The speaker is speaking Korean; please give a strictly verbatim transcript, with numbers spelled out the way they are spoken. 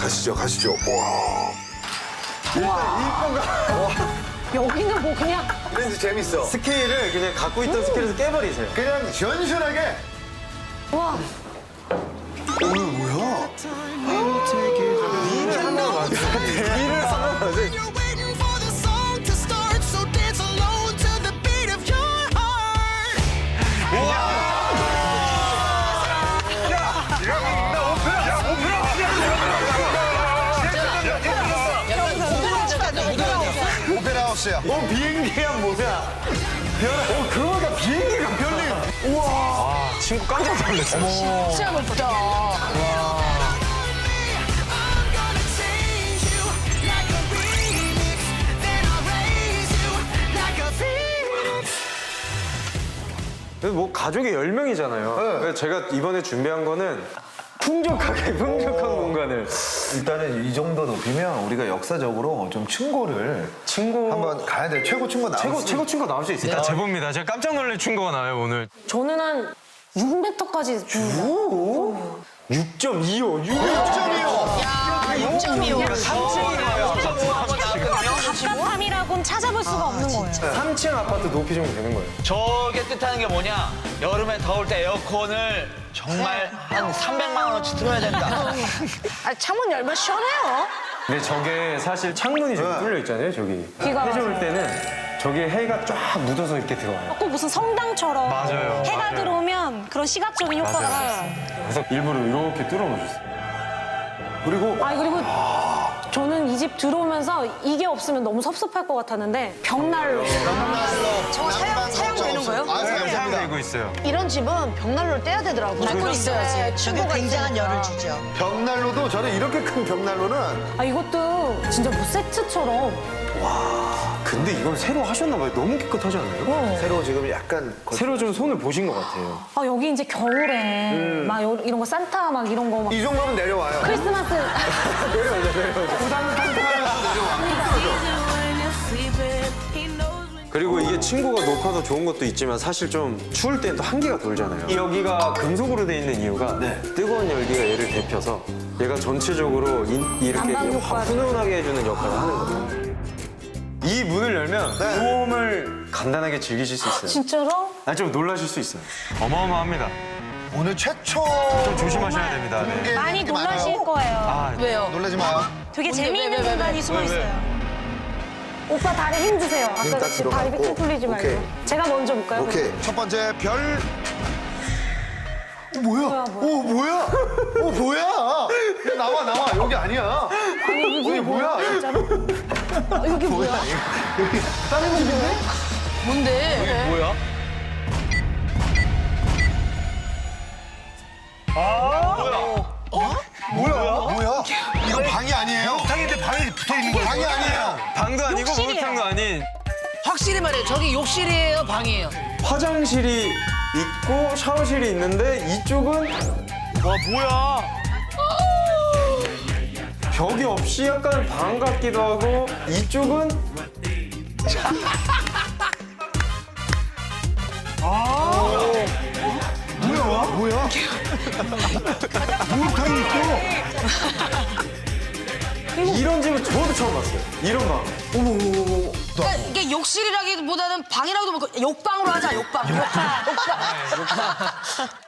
가시죠, 가시죠. 와. 여기는 뭐 그냥 왠지 재밌어. 스케일을 그냥 갖고 있던 스케일에서 깨버리세요. 그냥 시원시원하게. 와. 오늘 뭐야? 이를 한번 맞아. 이를 한번 맞아. You're waiting for the song to start, so dance alone to the beat of your heart. 오페라 하우스야. 어, 비행기야, 뭐야. 어, 그거다, 비행기가 별리. 우와. 아, 친구 깜짝 놀랐어. 진짜 높다. I'm gonna change you like a remix, then I'll raise you like a phoenix. 그래서 뭐 가족이 열 명이잖아요. 그래서 제가 이번에 준비한 거는 풍족하게, 풍족한 공간을. 일단은 이 정도 높이면 우리가 역사적으로 좀 층고를 친구. 한번 가야 돼. 최고 층고 나올 최고, 수 최고 친구 나올 수 있어요. 일단 제보입니다. 제가 깜짝 놀랄 친구가 나와요 오늘. 저는 한 육 미터까지. 육 점 이오. 육 육 점 이오. 삼 층이에요. 가깝함이라고는 찾아볼 수가 없는 거예요. 삼 층 아파트 높이 정도 되는 거예요. 저게 뜻하는 게 뭐냐? 여름에 더울 때 에어컨을 정말 한 삼백만 원어치 틀어야 된다. 아, 창문 열면 시원해요. 근데 저게 사실 창문이 저기 뚫려 있잖아요, 저기. 비가 해올 와서. 때는 저게 해가 쫙 묻어서 이렇게 들어와요. 꼭 무슨 성당처럼 맞아요, 해가 맞아요. 들어오면 그런 시각적인 효과가 나요. 그래서 일부러 이렇게 뚫어놓으셨어요. 그리고 아 그리고 저는 이 집 들어오면서 이게 없으면 너무 섭섭할 것 같았는데 벽난로. 저거 사용, 사용되는 거예요? 아, 감사합니다. 사용되고 있어요. 이런 집은 벽난로를 떼야 되더라고요. 밟고 있어야지. 저게 굉장한 열을 주죠. 벽난로도 저는 이렇게 큰 벽난로는 아 이것도 진짜 뭐 세트처럼. 근데 이건 새로 하셨나 봐요. 너무 깨끗하지 않나요? 어. 새로 지금 약간 거- 새로 좀 손을 보신 것 같아요. 아 여기 이제 겨울에 음. 막 요- 이런 거 산타 막 이런 거 막 이 정도면 내려와요. 크리스마스 그리고 이게 층고가 높아서 좋은 것도 있지만 사실 좀 추울 땐 또 한기가 돌잖아요. 여기가 금속으로 돼 있는 이유가 뜨거운 열기가 얘를 데펴서 얘가 전체적으로 인- 이렇게 난방 확 효과를. 훈훈하게 해주는 역할을 하는 거예요. 이 문을 열면 소음을 간단하게 즐기실 수 있어요. 진짜로? 아니 좀 놀라실 수 있어요. 어마어마합니다. 오늘 최초 좀 조심하셔야 됩니다. 네. 공개 많이 이렇게 놀라실 많아요. 거예요. 아, 왜요? 놀라지 마요. 되게 뭔데, 재미있는 왜, 왜, 왜, 공간이 왜? 숨어 왜, 왜? 있어요. 오빠 다리 힘 주세요. 아까 힘딱 같이 다리 들어가고. 쭉 풀리지 말고. 오케이. 제가 먼저 볼까요? 오케이. 첫 번째 별. 어, 뭐야? 뭐야, 어, 뭐야? 어, 뭐야? 야, 나와, 나와. 여기 아니야. 아니 이게 이게 뭐야? 뭐야? 진짜로? 어, 이게 뭐야? 다른 집인데? 뭔데? 뭐야? 뭐야? 뭐야? 이거 방이 아니에요? 방인데 방이 붙어 있는 거야? 방이 아니에요. 방도 아니고 욕실이에요. 목욕탕도 아닌. 확실히 말해요. 저기 욕실이에요, 방이에요? 화장실이 있고 샤워실이 있는데 이쪽은 와 뭐야? 벽이 없이 약간 방 같기도 하고 이쪽은 뭐야? 뭐야? 목욕탕이 있고. 이런 집은 저도 처음 봤어요. 이런 방. 그러니까 이게 욕실이라기보다는 방이라고도 볼까 욕방으로 하자, 욕방. 욕방. 욕방.